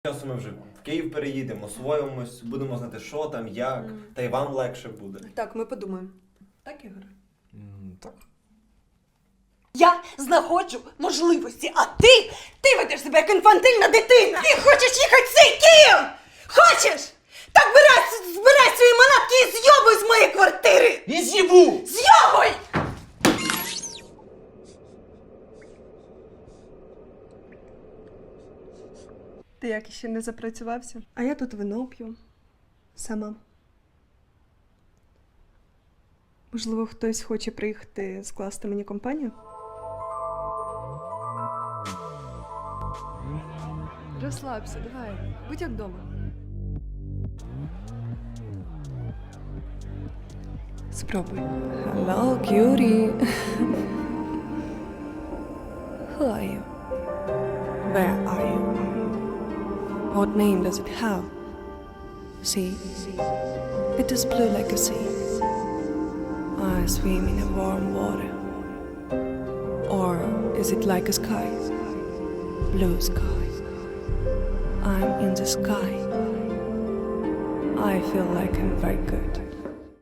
Часу ми вже в Київ переїдемо, освоїмось, будемо знати, що там, як, та й вам легше буде. Так, ми подумаємо. Так, Ігор? Так. Я знаходжу можливості, а ти ведеш себе як інфантильна дитина. Ти хочеш їхати в цей Київ? Хочеш? Так збирай свої манатки і з'йобуй з моєї квартири! І з'їбу! З'йобуй! Ти як ще не запрацювався? А я тут вино п'ю. Сама. Можливо, хтось хоче приїхати скласти мені компанію? Розслабся, давай. Будь як вдома. Спробуй. Hello, cutie. Who are you? Where are you? What name does it have? Sea. It is blue like a sea. I swim in a warm water. Or is it like a sky? Blue sky. I'm in the sky. I feel like I'm very good.